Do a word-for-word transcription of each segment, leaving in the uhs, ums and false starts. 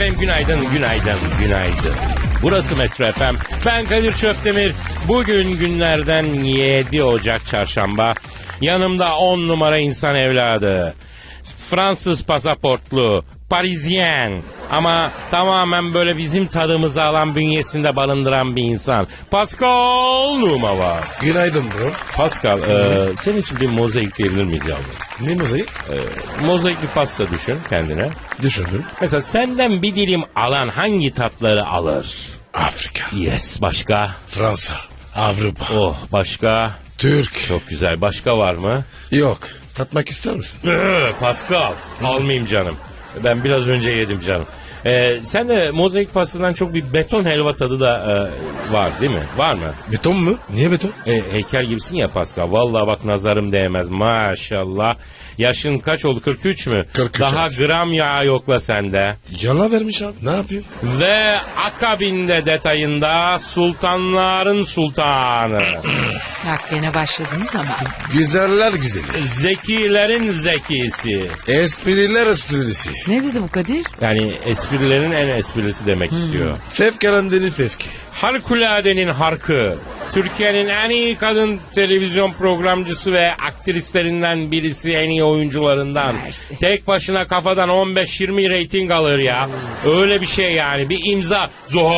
efendim, günaydın, günaydın, günaydın. Burası Metro F M. Ben Kadir Çöptemir. Bugün günlerden yedi Ocak Çarşamba. Yanımda on numara insan evladı. Fransız pasaportlu, Parisyen ama tamamen böyle bizim tadımızı alan, bünyesinde barındıran bir insan. Pascal Numa var. Günaydın bro. Pascal, e, senin için bir mozaik diyebilir miyiz yavrum? Ne mozaik? E, mozaik bir pasta düşün kendine. Düşündüm. Mesela senden bir dilim alan hangi tatları alır? Afrika. Yes, başka? Fransa. Avrupa. Oh, başka? Türk. Çok güzel. Başka var mı? Yok. Tatmak ister misin? Ee, Pascal, almayayım canım. Ben biraz önce yedim canım. Ee, sen de mozaik pastadan çok bir beton helva tadı da e, var değil mi? Var mı? Beton mu? Niye beton? E, heykel gibisin ya Pascal. Vallahi bak nazarım değmez maşallah. Yaşın kaç oldu? kırk üç mü? kırk üç Daha evet. Gram yağ yokla sende. Yala vermiş abi. Ne yapayım? Ve akabinde detayında sultanların sultanı. Bak gene başladınız ama. Güzeller güzeli. Zekilerin zekisi. Espriler esprisi. Ne dedi bu Kadir? Yani esprilerin en esprisi demek istiyor. Fevkalandenin fevki. Harikuladenin harkı. Türkiye'nin en iyi kadın televizyon programcısı ve aktrislerinden birisi, en iyi oyuncularından. Mersi. Tek başına kafadan on beş yirmi reyting alır ya. Öyle bir şey yani. Bir imza.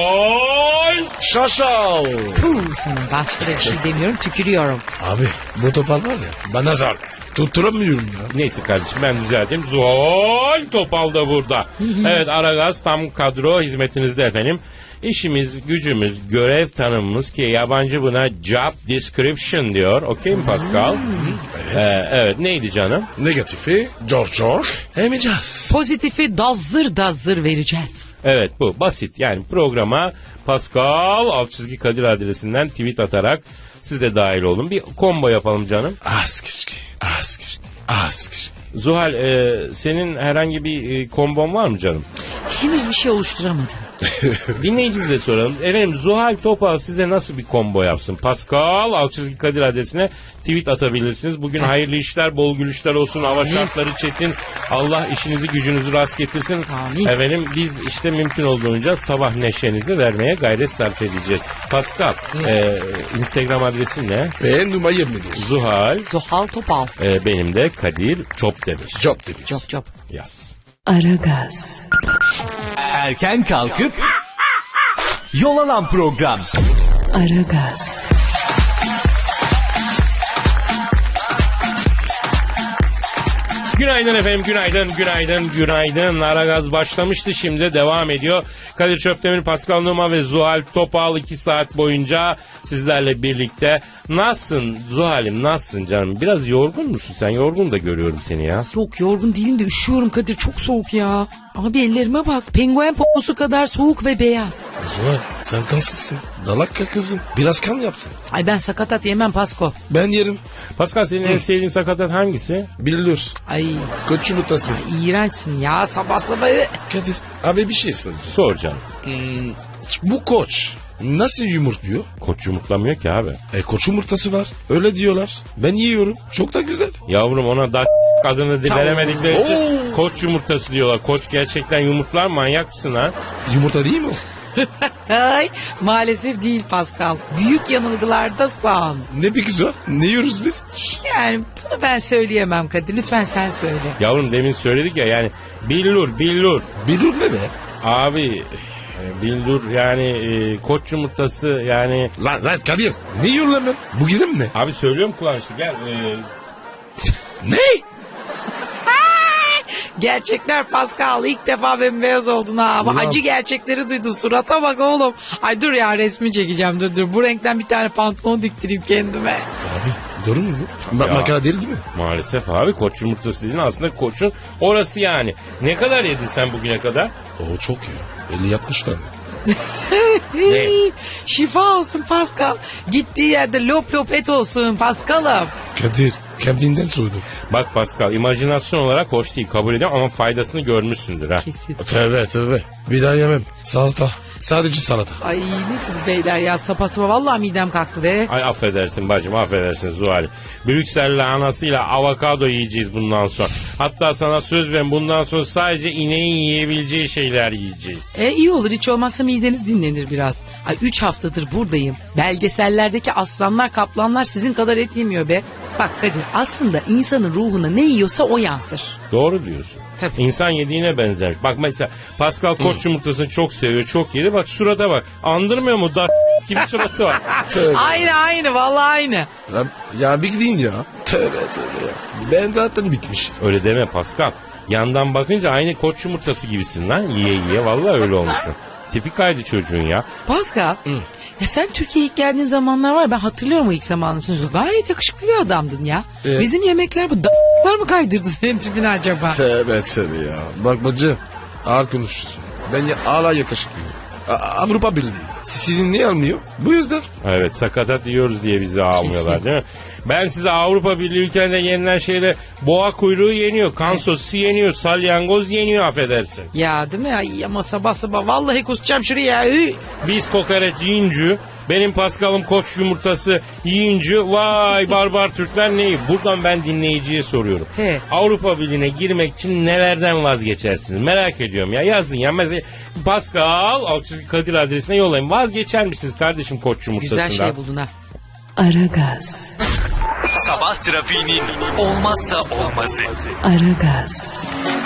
Zuhal. Şaşal. Puh sana başka da bir şey demiyorum, tükürüyorum. Abi bu topal var ya bana zor. Tutturamıyorum ya. Neyse kardeşim, ben düzelteyim. Zuhal Topal da burada. Evet, Aragaz tam kadro hizmetinizde efendim. İşimiz, gücümüz, görev tanımımız ki yabancı buna job description diyor. Okey mi Pascal? Evet. Ee, evet, neydi canım? Negatifi George George emeceğiz. Pozitifi dazır dazır vereceğiz. Evet, bu basit. Yani programa Pascal alt çizgi Kadir adresinden tweet atarak siz de dahil olun. Bir combo yapalım canım. Az kışkı, az kışkı, az kışkı. Zuhal, e, senin herhangi bir e, kombon var mı canım? Henüz bir şey oluşturamadım. Dinleyicimize soralım. Efendim, Zuhal Topal size nasıl bir combo yapsın? Pascal alt çizgi Kadir adresine tweet atabilirsiniz. Bugün hayırlı işler, bol gülüşler olsun. Hava şartları çetin. Allah işinizi gücünüzü rast getirsin. Amin. Efendim, biz işte mümkün olduğunca sabah neşenizi vermeye gayret sarf edeceğiz. Pascal, e, Instagram adresin ne? Ben numara yirmi bir. Zuhal, Zuhal Topal. e, benim de Kadir Çopdemir. Job demiş. Çok çok. Yaz. Aragaz. Erken kalkıp yol alan program. Aragaz. Günaydın efendim, günaydın, günaydın, günaydın. Aragaz başlamıştı, şimdi devam ediyor. Kadir Çöptemir, Pascal Numa ve Zuhal Topal iki saat boyunca sizlerle birlikte. Nasılsın Zuhal'im, nasılsın canım? Biraz yorgun musun sen? Yorgun da görüyorum seni ya. Yok, yorgun değilim de üşüyorum Kadir, çok soğuk ya. Abi ellerime bak, penguen poposu kadar soğuk ve beyaz. Zuhal sen kansızsın. Dalakka kızım. Biraz kan yapsın. Ay ben sakatat yemem Pasko. Ben yerim. Pascal, senin en sevdiğin sakatat hangisi? Bilir. Ay Koç yumurtası. iğrençsin ya sabah sabah. Kadir abi bir şey soracağım. Sor canım. Bu koç nasıl yumurtluyor? Koç yumurtlamıyor ki abi. E koç yumurtası var. Öyle diyorlar. Ben yiyorum. Çok da güzel. Yavrum, ona da adını di- veremedikleri için koç yumurtası diyorlar. Koç gerçekten yumurtlar, manyak mısın ha? Yumurta değil mi o? Ay maalesef değil Pascal. Büyük yanılgılardasın. Ne bir kız var? Ne yiyoruz biz? Yani bunu ben söyleyemem Kadir. Lütfen sen söyle. Yavrum, demin söyledik ya, yani billur billur. Bilir ne be? Abi e, billur yani e, koç yumurtası yani. Lan lan Kadir. Ne yiyorsun lan ben? Bu gizem ne? Abi söylüyorum kulağın gel. E, Ne? Gerçekler Pascal, ilk defa bembeyaz oldun ha. Ama Ulan. acı gerçekleri duydun. Surata bak oğlum. Ay dur ya, resmi çekeceğim, dur dur. Bu renkten bir tane pantolon diktireyim kendime. Abi doğru mu bu? Ma- Ya. makara değil değil mi? maalesef abi, koç yumurtası dediğin aslında koçun orası yani. Ne kadar yedin sen bugüne kadar? Oo çok ya. elli altmış tane. Ne? Şifa olsun Pascal. Gittiği yerde lop lop et olsun Pascal'ım. Kadir kendinden sordum. Bak Pascal, imajinasyon olarak hoş değil, kabul ediyorum ama faydasını görmüşsündür ha. Kesin. Tövbe tövbe. Bir daha yemem. Salata. Sadece salata. Ay ne tür beyler ya, sapa sapa vallahi midem kalktı be. Ay affedersin bacım, affedersin Zuhal. Brüksel'le anasıyla avokado yiyeceğiz bundan sonra. Hatta sana söz verin, bundan sonra sadece ineğin yiyebileceği şeyler yiyeceğiz. E iyi olur, hiç olmazsa mideniz dinlenir biraz. Ay üç haftadır buradayım. Belgesellerdeki aslanlar kaplanlar sizin kadar et yemiyor be. Bak Kadir, aslında insanın ruhuna ne yiyorsa o yansır. Doğru diyorsun. Tabii. İnsan yediğine benzer. Bak mesela Pascal koç yumurtasını çok seviyor, çok yedi. Bak surata bak. Andırmıyor mu? Da gibi suratı var. Tövbe. Aynı aynı vallahi aynı. Ya, ya bir gidin ya. Tövbe tövbe ya. Ben zaten bitmiş. Öyle deme Pascal. Yandan bakınca aynı koç yumurtası gibisin lan. Yiye yiye vallahi öyle olmuşsun. Tipik kaydı çocuğun ya. Pascal, ya sen Türkiye'ye ilk geldiğin zamanlar var, ben hatırlıyorum o ilk zamanını. Gayet yakışıklı bir adamdın ya. Evet. Bizim yemekler bu da**lar mı kaydırdı senin tipini acaba? Tövbe tövbe ya. Bak bacı ağır konuşuyorsun. Ben ya hala yakışıklıyım. A- Avrupa Birliği. Sizin niye almıyor? Bu yüzden. Evet, sakatat yiyoruz diye bizi almıyorlar Kesin. değil mi? Ben size Avrupa Birliği ülkelerinde yenilen şeyde boğa kuyruğu yeniyor, kan sosu yeniyor, salyangoz yeniyor, affedersin. Ya değil mi? Ay ama sabah sabah vallahi kusacağım şuraya. Üy. Biz kokoreç yiyince, benim Paskal'ım koç yumurtası yiyince vay barbar Türkler neyi? Buradan ben dinleyiciye soruyorum. He. Avrupa Birliği'ne girmek için nelerden vazgeçersiniz? Merak ediyorum ya, yazın ya. Mesela Pascal Alçızı Kadir adresine yollayın. Vazgeçer misiniz kardeşim koç yumurtasından? Güzel şey buldun ha. Aragaz, Sabah trafiğinin olmazsa olmazı. Aragaz,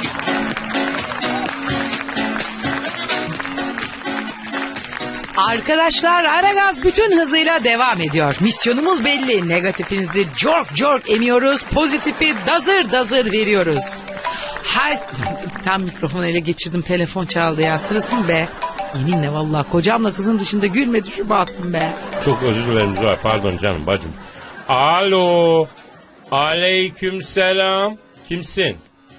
Arkadaşlar, Aragaz bütün hızıyla devam ediyor. Misyonumuz belli. Negatifinizi cork cork emiyoruz. Pozitifi dazır dazır veriyoruz. Her... Tam mikrofonu ele geçirdim, telefon çaldı ya. Sırası mı be? Yeminle vallahi kocamla kızım dışında gülmedi şu battım be. Çok özür dilerim Zuhal, pardon canım bacım. Alo. Aleyküm selam. Kimsin?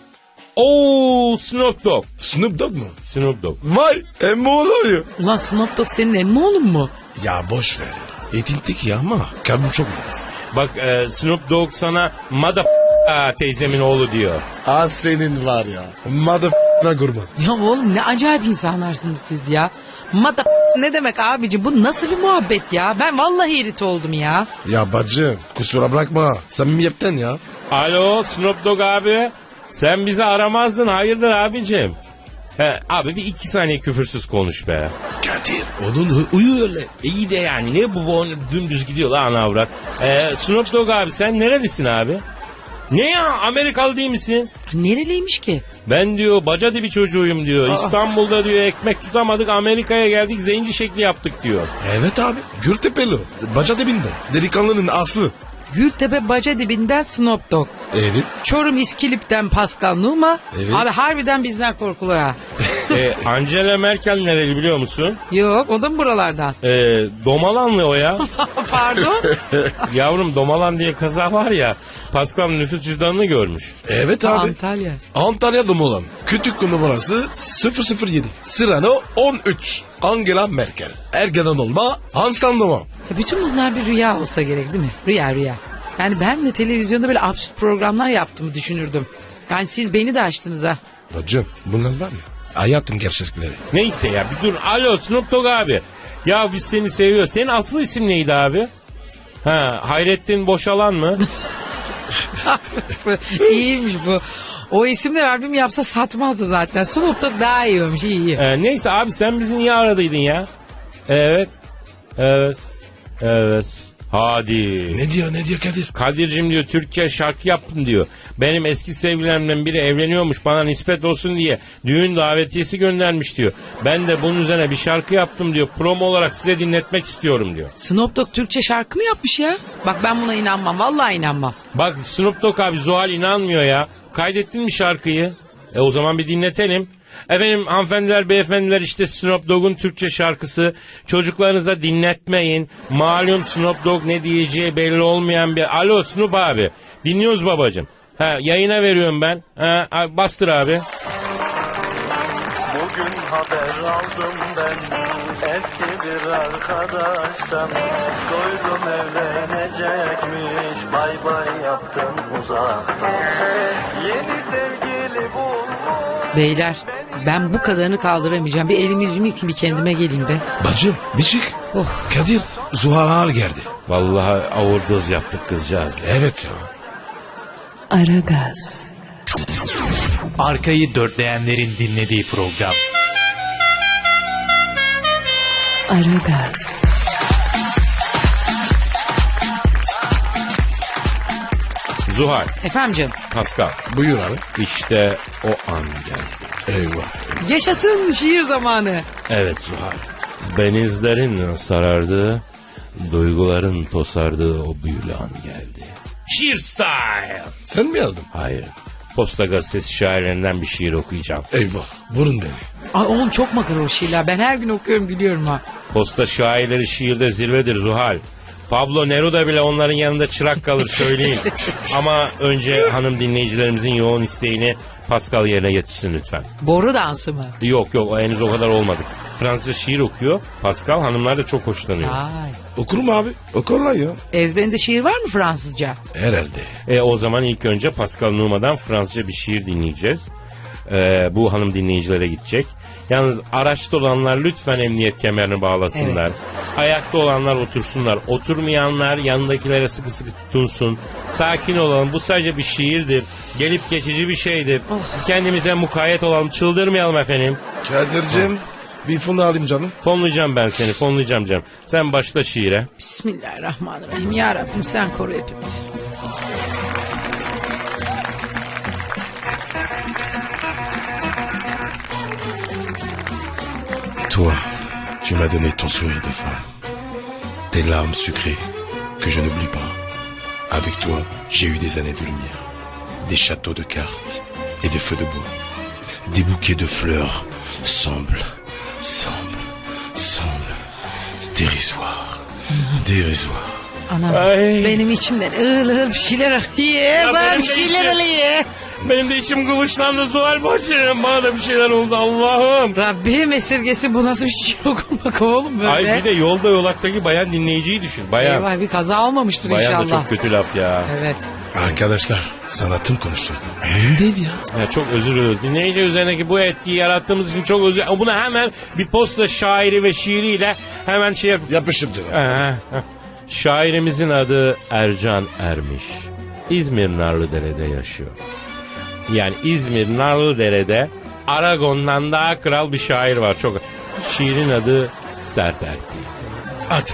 Oo, Snoop Dogg. Snoop Dogg mu? Snoop Dogg. Vay emmi oluyor. Ulan Snoop Dogg senin emmi oğlun mu? Ya boş ver ya. Etin teki ya ama kalbim çok nefis. Bak e, Snoop Dogg sana mother teyzemin oğlu diyor. Az senin var ya. Motherfuck'ına kurban. Ya oğlum ne acayip insanlarsınız siz ya. Mada ne demek abici, bu nasıl bir muhabbet ya? Ben vallahi irit oldum ya. Ya bacım kusura bırakma. Samimiyetten ya. Alo Snoop Dogg abi. Sen bizi aramazdın, hayırdır abicim? He, abi bir iki saniye küfürsüz konuş be. Kadir onun hu- huyu öyle. İyi de yani ne bu, bu dümdüz gidiyor lan avrat. Ee, Snoop Dogg abi sen nerelisin abi? Ne ya, Amerikalı değil misin? Nereliymiş ki? Ben diyor baca dibi çocuğuyum diyor. İstanbul'da diyor ekmek tutamadık, Amerika'ya geldik zenci şekli yaptık diyor. Evet abi Gültepeli. Baca dibinden. Delikanlının aslı. Gültepe baca dibinden Snoop Dogg. Evet. Çorum İskilip'ten Pascal Numa. Evet. Abi harbiden bizden korkulur ha. Ee, Angela Merkel nereli biliyor musun? Yok, o da mı buralardan? Ee, Domalanlı o ya. Pardon. Yavrum Domalan diye kaza var ya. Pascal nüfus cüzdanını görmüş. Evet abi. Antalya. Antalya'da mı olan? Kütük numarası sıfır sıfır yedi. Sırano on üç. Angela Merkel. Ergeden olma. Hanslandıma. Ya bütün bunlar bir rüya olsa gerek değil mi? Rüya rüya. Yani ben de televizyonda böyle absürt programlar yaptığımı düşünürdüm. Yani siz beni de açtınız ha. Bacım bunlar var ya. Hayatın gerçekleri. Neyse ya bir dur. Alo Snoop Dogg abi. Ya biz seni seviyoruz. Senin asıl isim neydi abi? Ha, Hayrettin Boşalan mı? İyiymiş bu. O isimle albüm yapsa satmazdı zaten. Snoop Dogg daha iyi olmuş, iyi iyi. Ee, neyse abi sen bizi niye aradıydın ya? Evet. Evet. Evet. Hadi. Ne diyor ne diyor Kadir? Kadir'cim diyor Türkiye şarkı yaptım diyor. Benim eski sevgilerimden biri evleniyormuş, bana nispet olsun diye düğün davetiyesi göndermiş diyor. Ben de bunun üzerine bir şarkı yaptım diyor. Promo olarak size dinletmek istiyorum diyor. Snoop Dogg Türkçe şarkı mı yapmış ya? Bak ben buna inanmam, vallahi inanmam. Bak Snoop Dogg abi, Zuhal inanmıyor ya. Kaydettin mi şarkıyı? E o zaman bir dinletelim. Efendim hanımefendiler beyefendiler, işte Snoop Dogg'un Türkçe şarkısı. Çocuklarınıza dinletmeyin. Malum Snoop Dogg ne diyeceği belli olmayan bir... Alo Snoop abi, dinliyoruz babacığım. Ha, yayına veriyorum ben. Ha, bastır abi. Bugün haber aldım ben eski bir arkadaştan. Duydum evlenecekmiş, bay bay yaptım uzaktan. Yeni sevgili bulmuş. Beyler ben bu kadarını kaldıramayacağım. Bir elimi yüzümü yıkayayım, bir kendime geleyim be. Bacım bir çık. Oh. Kadir Zuhal ağır geldi. Vallahi overdose yaptık kızcağız. Evet ya. Aragaz, Arkayı dörtleyenlerin dinlediği program. Aragaz, Zuhal, Efendim canım. Pascal. Buyur abi. İşte o an geldi. Eyvah. Yaşasın şiir zamanı. Evet Zuhal. Benizlerin sarardığı, duyguların tosardığı o büyülü an geldi. Şiir style. Sen mi yazdın? Hayır. Posta Gazetesi şairlerinden bir şiir okuyacağım. Eyvah. Vurun beni. Ay oğlum çok makara o şiirler. Ben her gün okuyorum gülüyorum ha. Posta şairleri şiirde zirvedir Zuhal. Pablo Neruda bile onların yanında çırak kalır söyleyeyim. Ama önce hanım dinleyicilerimizin yoğun isteğini Pascal yerine getirsin lütfen. Boru dansı mı? Yok yok o henüz o kadar olmadık. Fransızca şiir okuyor. Pascal hanımlar da çok hoşlanıyor. Ay. Okur mu abi? Okurlar ya. Ezberinde şiir var mı Fransızca? Herhalde. E, o zaman ilk önce Pascal Numa'dan Fransızca bir şiir dinleyeceğiz. E, bu hanım dinleyicilere gidecek. Yalnız araçta olanlar lütfen emniyet kemerini bağlasınlar. Evet. Ayakta olanlar otursunlar. Oturmayanlar yanındakilere sıkı sıkı tutunsun. Sakin olalım. Bu sadece bir şiirdir. Gelip geçici bir şeydir. Kendimize mukayyet olalım. Çıldırmayalım efendim. Kadir'cim bir fonu alayım canım. Fonlayacağım ben seni. Fonlayacağım canım. Sen başla şiire. Bismillahirrahmanirrahim. Ya Rabbim sen koru hepimizi. Toi, tu m'as donné ton sourire de femme, tes larmes sucrées que je n'oublie pas. Avec toi, j'ai eu des années de lumière, des châteaux de cartes et de feux de bois. Des bouquets de fleurs semblent, semblent, semblent dérisoires, dérisoires. Anam Ay. benim içimden ığıl ığıl bir şeyler alıyor. Bana benim bir de şeyler içim- alıyor. Benim de içim kıvışlandı Zuhal bacım. Bana da bir şeyler oldu Allah'ım. Rabbim esirgesi bu nasıl bir şiir okumak oğlum böyle. Ay bir de yolda yolaktaki bayan dinleyiciyi düşün. Bayan. Eyvah bir kaza olmamıştır Bayan da inşallah. çok kötü laf ya. Evet. Arkadaşlar, sanatım konuşturdu. Benim değil ya. Ya çok özür dileriz. Dinleyici üzerindeki bu etkiyi yarattığımız için çok özür Bunu hemen bir posta şairi ve şiiriyle hemen şey yap. Yapışır canım. Ee, heh. Şairimizin adı Ercan Ermiş. İzmir Narlıdere'de yaşıyor. Yani İzmir Narlıdere'de Aragon'dan daha kral bir şair var. Çok. Şiirin adı Sert Erkeği. Hadi.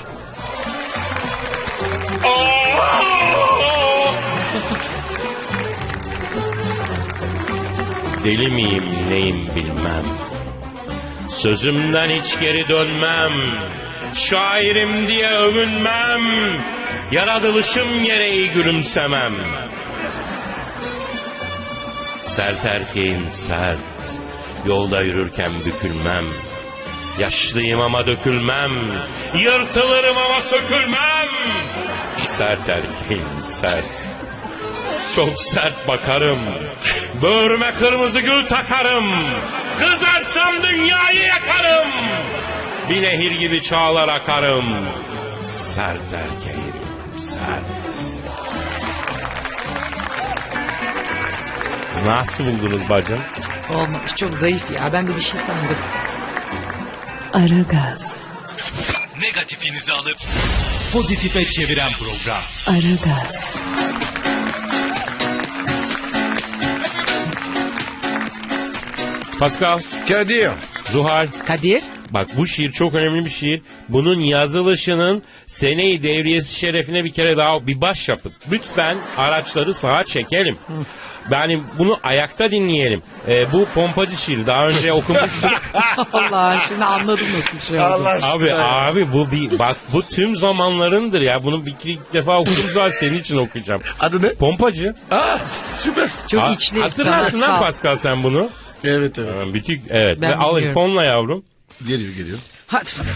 Deli miyim neyim bilmem. Sözümden hiç geri dönmem. Şairim diye övünmem. Yaratılışım gereği gülümsemem. Sert erkeğim sert. Yolda yürürken bükülmem. Yaşlıyım ama dökülmem. Yırtılırım ama sökülmem. Sert erkeğim sert. Çok sert bakarım. Böğrüme kırmızı gül takarım. Kızarsam dünyayı yakarım. Bir nehir gibi çağlar akarım. Sert erkeğim sert. Nasıl buldunuz bacım? Olmamış çok zayıf ya. Ben de bir şey sandım. Aragaz, Negatifinizi alıp pozitife çeviren program. Aragaz, Pascal, Kadir. Zuhal. Kadir. Bak bu şiir çok önemli bir şiir. Bunun yazılışının seneyi devriyesi şerefine bir kere daha bir baş yapın. Lütfen araçları sağa çekelim. Yani bunu ayakta dinleyelim. Ee, bu pompacı şiir daha önce okumuştuk. Allah şimdi anladım nasıl bir şey oldu. Allah aşkına. Abi abi bu bir bak bu tüm zamanlarındır ya. Bunu bir iki defa okudum zaten senin için okuyacağım. Adı ne? Pompacı. Aa, süper. Çok Ha- içli. Hatırlarsın lan sanatsal. Pascal sen bunu. Evet evet. Hemen Bütik evet. Ben Ve al biliyorum. fonla yavrum. Geliyor geliyor. Hadi bakalım.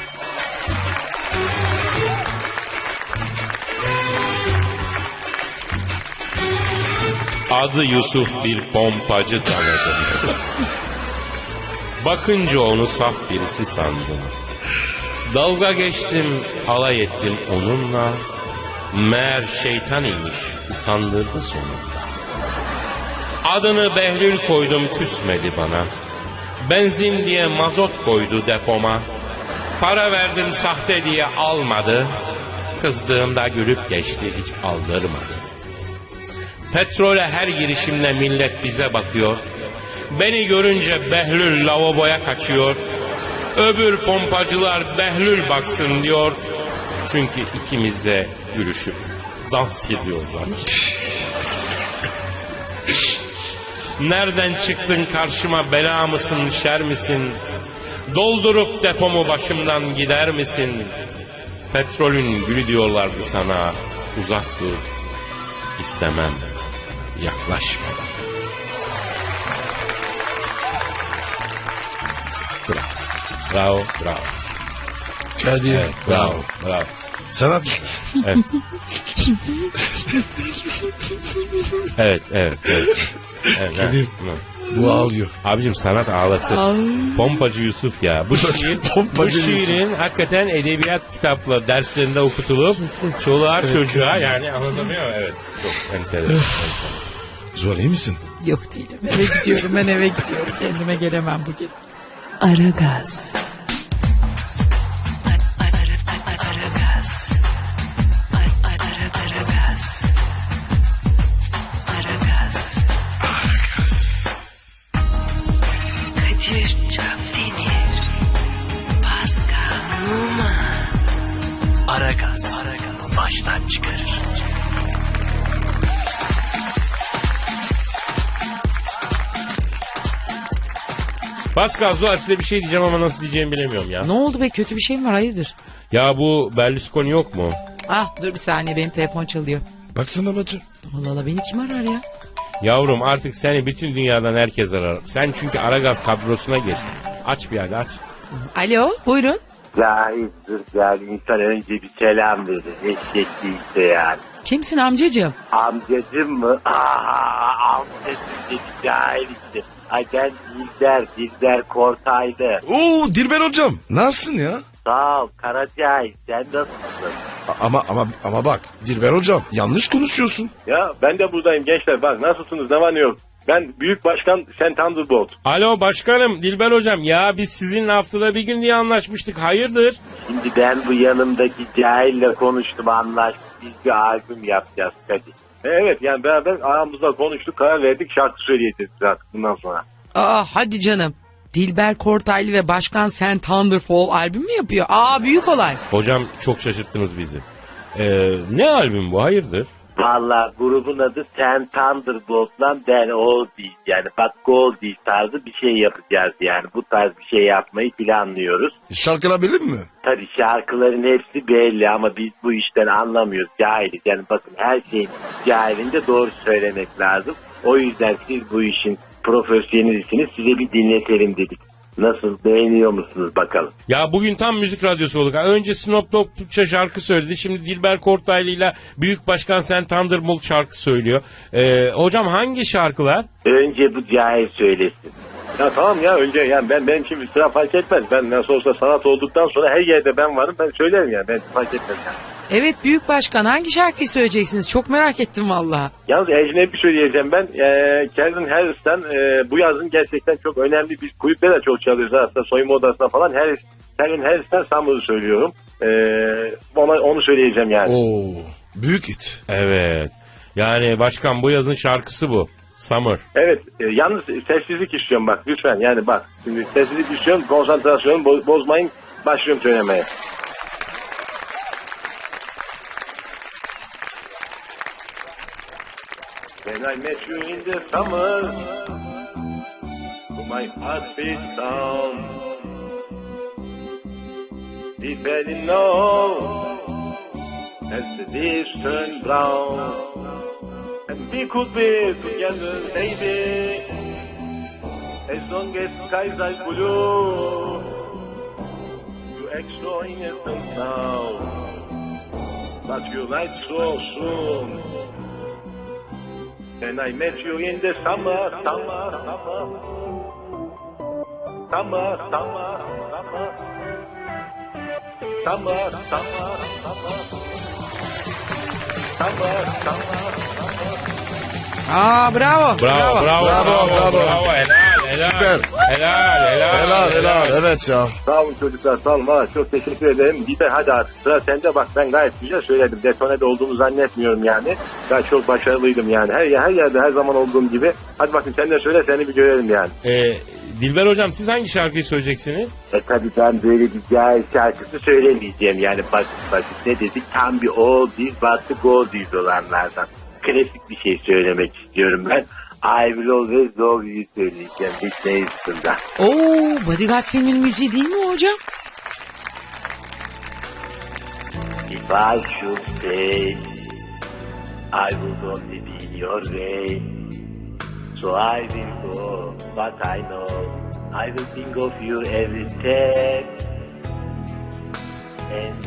Adı Yusuf bir pompacı tanıdım. Bakınca onu saf birisi sandım. Dalga geçtim, alay ettim onunla. Meğer şeytan imiş, utandırdı sonunda. Adını Behlül koydum küsmedi bana. Benzin diye mazot koydu depoma. Para verdim sahte diye almadı. Kızdığımda gülüp geçti, hiç aldırmadı. Petrole her girişimle millet bize bakıyor. Beni görünce Behlül lavaboya kaçıyor. Öbür pompacılar Behlül baksın diyor. Çünkü ikimize gülüşüp dans ediyorlar. Nereden çıktın karşıma, bela mısın şer misin? Doldurup depomu başımdan gider misin? Petrolün gülü diyorlardı sana. Uzak dur, istemem, yaklaşma. Bravo, bravo, bravo. Kadir, Evet, bravo, bravo. Sanat. Evet. evet, evet, evet. evet Kadir, evet. bu ağlıyor. Abicim sanat ağlatır. Pompacı Yusuf ya. Bu şiir, bu Pompacı şiirin hakikaten edebiyat kitapları derslerinde okutulup çoluğa Evet, çocuğa kesin. yani anlatamıyor mu? Evet. Çok enteresan. Zuhal iyi misin? Yok değilim. Eve gidiyorum, ben eve gidiyorum. Kendime gelemem bugün. Aragaz. Aragaz. Aragaz. Aragaz. Kadir Çöpdemir. Pascal Numa. Aragaz. Baştan çıkarır. Pascal, Zuhal, size bir şey diyeceğim ama nasıl diyeceğimi bilemiyorum ya. Ne oldu be, kötü bir şey mi var, hayırdır? Ya bu Berlusconi yok mu? Ah dur bir saniye, benim telefon çalıyor. Baksana bacı. Allah Allah, beni kim arar ya? Yavrum artık seni bütün dünyadan herkes arar. Sen çünkü Aragaz kadrosuna geçtin. Aç bir hadi aç. Alo, buyurun. Cahildir yani, insan önce bir selam verir. Eşek değilse yani. Kimsin amcacığım? Amcacım mı? Aa, amcacım dedi, cahil işte. Ay ben Dilber, Dilber Kortaylı. Oo Dilber hocam. Nasılsın ya? Sağ ol Karacahil, sen nasılsın? A- Ama ama ama bak Dilber hocam yanlış konuşuyorsun. Ya ben de buradayım gençler, bak nasılsınız, ne var ne yok. Ben Büyük Başkan Sen Thunderbolt. Alo başkanım, Dilber hocam, ya biz sizinle haftada bir gün diye anlaşmıştık, hayırdır? Şimdi ben bu yanımdaki cahille konuştum, anlaştık. Biz bir albüm yapacağız Kadir. Evet yani beraber aramızda konuştuk, karar verdik, şarkı söyleyeceğiz artık bundan sonra. Aa hadi canım. Dilber Kortaylı ve Başkan Sen Thunderfall albüm mü yapıyor? Aa büyük olay. Hocam çok şaşırttınız bizi. Ee, ne albüm bu, hayırdır? Valla grubun adı Sen Thunderbolt'la Ben All değil. Yani bak Gold değil tarzı bir şey yapacağız yani. Bu tarz bir şey yapmayı planlıyoruz. Şarkılar bilir mi? Tabii şarkıların hepsi belli ama biz bu işten anlamıyoruz, cahiliz. Yani bakın her şeyin cahilinde doğru söylemek lazım. O yüzden siz bu işin profesyonelisiniz, size bir dinletelim dedik. Nasıl, beğeniyor musunuz bakalım? Ya bugün tam müzik radyosu olduk. Ha, önce Snoop Dogg Türkçe şarkı söyledi. Şimdi Dilber Kortaylı ile Büyük Başkan Sen Thunderbolt şarkı söylüyor. Ee, hocam hangi şarkılar? Önce bu cahil söylesin. Ya tamam ya, önce yani ben benim için bir sıra fark etmez. Ben nasıl olsa sanat olduktan sonra her yerde ben varım, ben söylerim yani, ben fark etmez yani. Evet Büyük Başkan, hangi şarkıyı söyleyeceksiniz? Çok merak ettim valla. Yalnız ecnebi söyleyeceğim ben. Ee, Calvin Harris'ten e, bu yazın gerçekten çok önemli, biz kulüpte de çok çalıyoruz aslında, soyunma odasında falan. Harris, Calvin Harris'ten Summer'ı söylüyorum. Ee, ona, onu söyleyeceğim yani. Oo büyük hit. Evet. Yani başkan bu yazın şarkısı bu. Summer. Evet, e, yalnız sessizlik istiyorum bak lütfen, yani bak. Şimdi sessizlik istiyorum, konsantrasyonu bo- bozmayın, başlıyorum söylemeye. When I met you in the summer, my heart beat down. We fell in love as the days turned brown, and we could be together, baby, as long as skies are blue. You act so innocent now, but you lied so soon. And I met you in the summer, summer, summer, summer, summer, summer, summer, summer, summer, summer, summer, summer. Aa bravo. Bravo, bravo, bravo, Bravo, bravo, bravo. helal, helal. Süper. Helal, helal. Helal helal evet ya. Sağ olun çocuklar, sağ olun. Valla çok teşekkür ederim. Gider hadi artık sıra sende, bak ben gayet güzel söyledim. Detonede olduğumu zannetmiyorum yani. Ben çok başarılıydım yani. Her, her yerde her zaman olduğum gibi. Hadi bakın sen de söyle, seni bir görelim yani. Ee, Dilber hocam siz hangi şarkıyı söyleyeceksiniz? E tabi ben böyle bir cahil şarkısı söylemeyeceğim yani, basit basit ne dedik, tam bir oldies but the goldies olanlardan. Klasik bir şey söylemek istiyorum ben. I will always love you söyleyeceğim Whitney Houston'da. Oo, Bodyguard filminin müziği değil mi hocam? If I should stay, I would only be in your way. So I will go, but I know I will think of you every step. And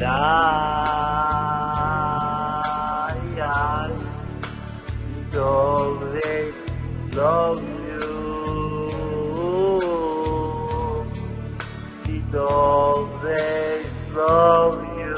I, I will always love you. Will always love you.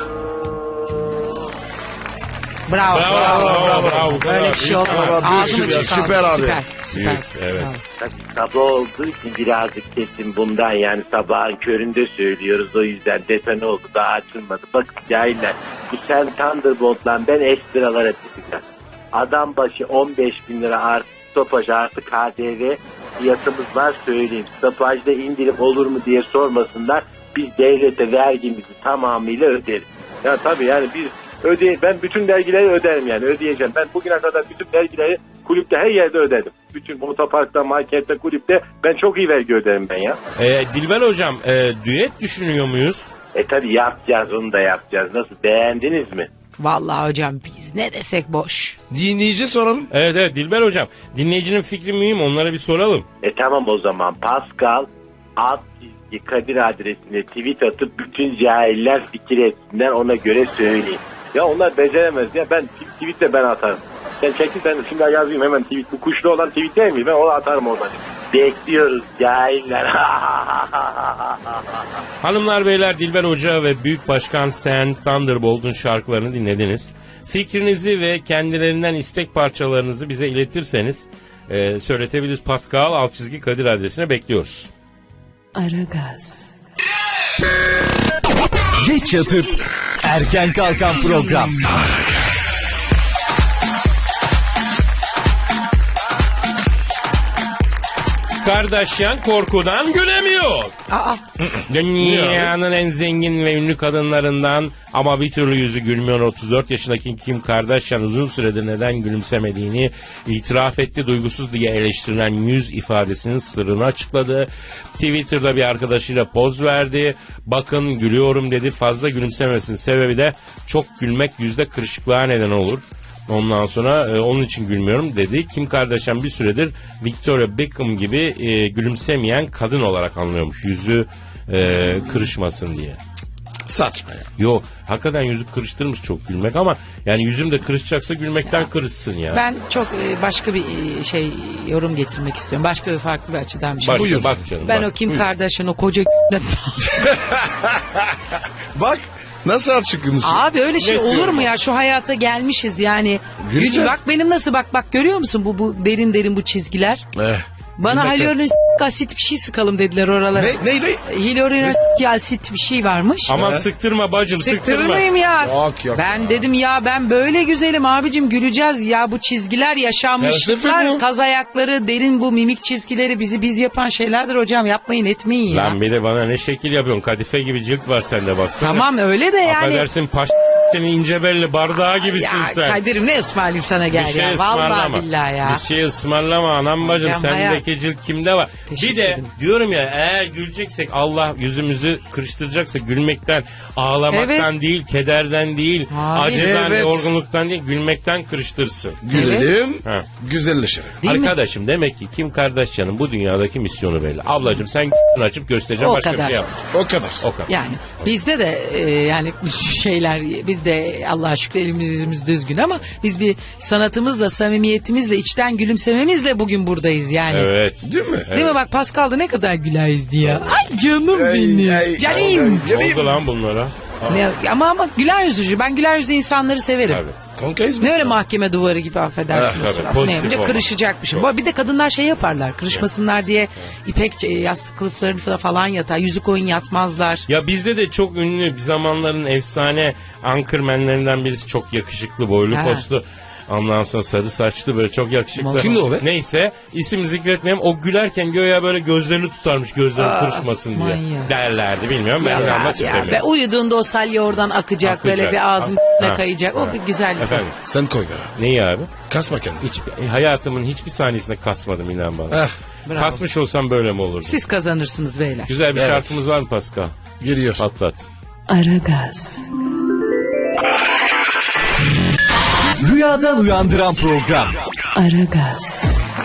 Bravo. Bravo, bravo, bravo. Bu kadar. Böyle bir şey Büyük olmaz. sanat. Ağzımı Büyük, çıkardı. süper abi. Süper. Süper. Büyük, evet. Bravo. Tabii sabah olduğu için birazcık kesin bundan, yani sabahın köründe söylüyoruz, o yüzden detone oldu, daha açılmadı. Bakın cahiller, bu sen Thunderbolt'la ben ekstralara çıkacağım. Adam başı on beş bin lira artı stopaj artı K D V fiyatımız var, söyleyeyim. Stopajda indirim olur mu diye sormasınlar, biz devlete vergimizi tamamıyla öderiz. Ya tabii yani biz ödey ben bütün vergileri öderim yani, ödeyeceğim. Ben bugüne kadar bütün vergileri kulüpte her yerde ödedim. Bütün otoparkta, markette, kulüpte ben çok iyi vergi öderim ben ya. Ee, Dilber hocam e, düet düşünüyor muyuz? E tabii yapacağız, onu da yapacağız. Nasıl, beğendiniz mi? Vallahi hocam biz ne desek boş. Dinleyici soralım. Evet evet Dilber hocam. Dinleyicinin fikri mühim, onlara bir soralım. E tamam o zaman Pascal alt çizgi Kadir adresine tweet atıp bütün cahiller fikir etsinler, ona göre söyleyeyim. Ya onlar beceremez ya, ben tweet de ben atarım. Sen çekil, ben şimdi yazayım hemen tweet. Bu kuşlu olan tweet değil mi? Ben onu atarım oradan. Bekliyoruz cahiller. Hanımlar beyler, Dilber Hoca ve Büyük Başkan Sen Thunderbolt'un şarkılarını dinlediniz. Fikrinizi ve kendilerinden istek parçalarınızı bize iletirseniz e, söyletebiliriz. Pascal alt çizgi Kadir adresine bekliyoruz. Aragaz, Geç yatıp erken kalkan program. Kardashian korkudan gülemiyor. Aa, Dünyanın en zengin ve ünlü kadınlarından ama bir türlü yüzü gülmüyor otuz dört yaşındaki Kim Kardashian uzun süredir neden gülümsemediğini itiraf etti. Duygusuz diye eleştirilen yüz ifadesinin sırrını açıkladı. Twitter'da bir arkadaşıyla poz verdi. Bakın gülüyorum dedi. Fazla gülümsemesinin sebebi de çok gülmek yüzde kırışıklığa neden olur. Ondan sonra e, onun için gülmüyorum dedi. Kim Kardashian bir süredir Victoria Beckham gibi e, gülümsemeyen kadın olarak anlıyormuş. Yüzü e, kırışmasın diye. Saçma ya. Yo, hakikaten yüzü kırıştırmış çok gülmek ama yani yüzüm de kırışacaksa gülmekten kırışsın ya. ben çok e, başka bir e, şey yorum getirmek istiyorum. Başka bir farklı bir açıdan bir şey. Bak, Buyur. bak canım. Ben bak. o Kim Buyur. Kardashian o koca Bak nasıl açıklıyorsun? Abi öyle şey Net olur diyorum mu bak. ya, şu hayata gelmişiz yani. Güleceğiz. Bak benim nasıl, bak bak görüyor musun bu bu derin derin bu çizgiler. Eh. Bana Gülmekten- hyaluronik asit bir şey sıkalım dediler oralara. Ne ne ne? Hyaluronik asit bir şey varmış. Aman He? sıktırma bacım, Sıktırır sıktırma. mıyım ya? Yok, yok. Ben dedim ya ben böyle güzelim abicim, güleceğiz ya, bu çizgiler Felsefe yaşanmışlıklar, bu. kaz ayakları, derin bu mimik çizgileri bizi biz yapan şeylerdir hocam, yapmayın etmeyin ya. Lan bir de bana ne şekil yapıyorsun? Kadife gibi cilt var sende baksana. Tamam öyle de yani. Affedersin paş senin ince belli bardağı gibisin Ya sen. Kadir'im ne ısmarlayayım sana, gel Bir şey ya. ısmarlama. Vallahi billahi ya. Bir şey ısmarlama anam bacım. Hocam, Sendeki hayat. cilt kimde var? Teşekkür Bir de ederim. diyorum ya, eğer güleceksek Allah yüzümüzü kırıştıracaksa gülmekten, ağlamaktan Evet. değil, kederden değil, Hayır. acıdan, Evet. yorgunluktan değil, gülmekten kırıştırsın. Gülelim. Ha. Güzelleşelim. Değil mi? Arkadaşım demek ki Kim Kardashian'ın bu dünyadaki misyonu belli. Ablacığım sen açıp göstereceğim, O başka kadar. bir şey yapmayacağım. O kadar. O kadar. Yani bizde de e, yani şeyler, biz de Allah'a şükür elimiz yüzümüz düzgün ama biz bir sanatımızla, samimiyetimizle, içten gülümsememizle bugün buradayız yani. Evet. Değil mi? Değil mi, bak Pascal da ne kadar güler yüzlü ya. Ay canım Ay, benim. ay, Canım. ay, Ne canım. oldu lan bunlara? Ne, ama ama güler yüzlü. Ben güler yüzlü insanları severim. Tabii. Kankayız mı? Ne öyle mahkeme duvarı gibi affedersiniz. Ah, tabii, pozitif Ne önce olmak. kırışacakmışım. Bu- Bir de kadınlar şey yaparlar. Kırışmasınlar diye ipek e, yastık kılıflarını falan yatar. Yüzük oyun yatmazlar. Ya bizde de çok ünlü bir zamanların efsane anchormenlerinden birisi, çok yakışıklı, boylu Ha. poslu. Ondan sonra sarı saçlı, böyle çok yakışıklı. Kimdi o be? Neyse, isim zikretmeyeyim. O gülerken göğe böyle gözlerini tutarmış, gözleri kırışmasın diye manyak. derlerdi, bilmiyorum, ben Ya, inanmak ya, istemiyorum. ve uyuduğunda o salya oradan akacak, Akacak. böyle bir ağzın Ha. kayacak. O Ha. bir güzellik. Efendim, Sen koy be. neyi abi? Kasma kendini. Hiç, e, hayatımın hiçbir saniyesinde kasmadım, inan bana. Ah, Bravo. Kasmış olsam böyle mi olurdu? Siz kazanırsınız beyler. Güzel bir Evet. şartımız var mı Pascal? geliyor. Patlat. Aragaz, Rüyadan uyandıran program. Aragaz,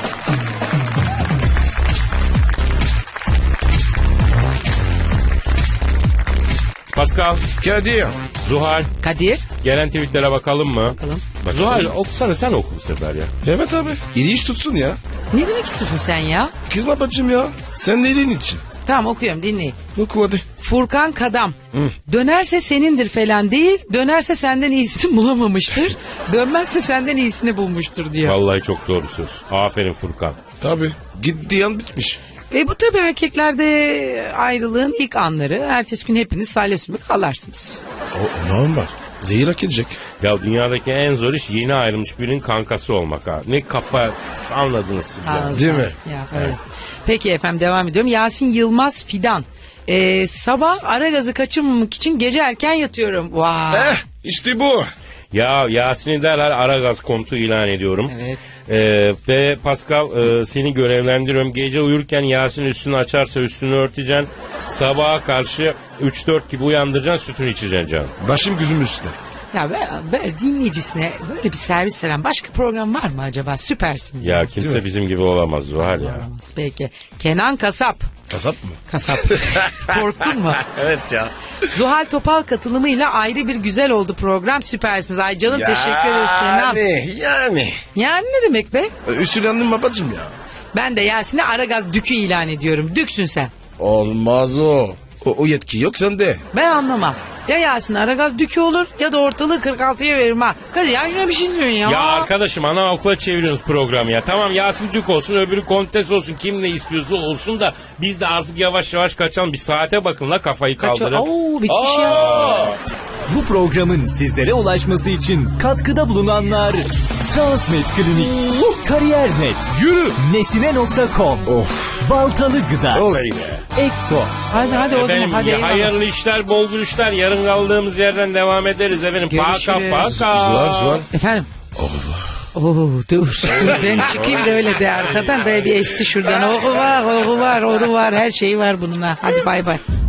Pascal, Kadir. Zuhal, Kadir. gelen tweetlere bakalım mı? Bakalım. Zuhal, okusana, sen oku bu sefer ya. Evet abi. İyi iş tutsun ya. Ne demek istiyorsun sen ya? Kızma bacım ya. Sen neyliğin için? Tamam okuyorum, dinleyin. Oku hadi. Furkan Kadam. Dönerse senindir falan değil. Dönerse senden iyisini bulamamıştır. Dönmezse senden iyisini bulmuştur diyor. Vallahi çok doğru söz. Aferin Furkan. Tabii. Gittiği an bitmiş. Ve bu tabii erkeklerde ayrılığın ilk anları. Ertesi gün hepiniz salya sümük ağlarsınız. O, o normal. Zehir hak edecek. Ya dünyadaki en zor iş yeni ayrılmış birinin kankası olmak ha. Ne kafa, anladınız siz ya. Ağzı- Değil mi? Ya, öyle. Peki efendim, devam ediyorum. Yasin Yılmaz Fidan. Ee, sabah ara gazı kaçırmamak için gece erken yatıyorum. Vay. Eh işte bu. Ya Yasin'i derhal Aragaz komutu ilan ediyorum. Evet. Ee, ve Pascal, e, seni görevlendiriyorum. Gece uyurken Yasin üstünü açarsa üstünü örteceksin. Sabaha karşı üç dört gibi uyandıracaksın, sütünü içeceksin canım. Başım gözüm üstüne. Ya ver, ver dinleyicisine böyle bir servis veren başka program var mı acaba? Süpersiniz. Ya kimse bizim gibi olamaz Zuhal ya. Peki. Kenan Kasap. Kasap mı? Kasap. Korktun mu? Evet ya. Zuhal Topal katılımıyla ayrı bir güzel oldu program. Süpersiniz. Ay canım, teşekkür ederiz Kenan. Yani yani. Yani ne demek be? Üstülendim babacım ya. Ben de Yasin'e Aragaz Dükü ilan ediyorum. Düksün sen. Olmaz o. O, o yetki yok sende. Ben anlamam. Ya Yasin Aragaz Dükü olur ya da ortalığı kırk altıya veririm ha. Hadi ya, yine bir şey diyorsun ya. Ya arkadaşım, ana okula çeviriyorsunuz programı ya. Tamam, Yasin Dük olsun, öbürü Kontes olsun, kim ne istiyorsa olsun da biz de artık yavaş yavaş kaçalım. Bir saate bakın la, kafayı Kaç- kaldırın. Oo, bitmiş ya. Bu programın sizlere ulaşması için katkıda bulunanlar Transmed Klinik, Kariyer.net, Yürü. Nesine nokta com, Baltalı Gıda, Olay be. Ekko. Hadi hadi o zaman Efendim, hadi. ya, eyvallah. hayırlı işler, bol gülüşler. Yarın kaldığımız yerden devam ederiz efendim. Paka Görüşürüz. paka. Zuhal Zuhal. Efendim? Oo, dur dur ben çıkayım da öyle de arkadan böyle bir esti şuradan. Oku var, oku var, oku var, her şeyi var bununla. Hadi bay bay.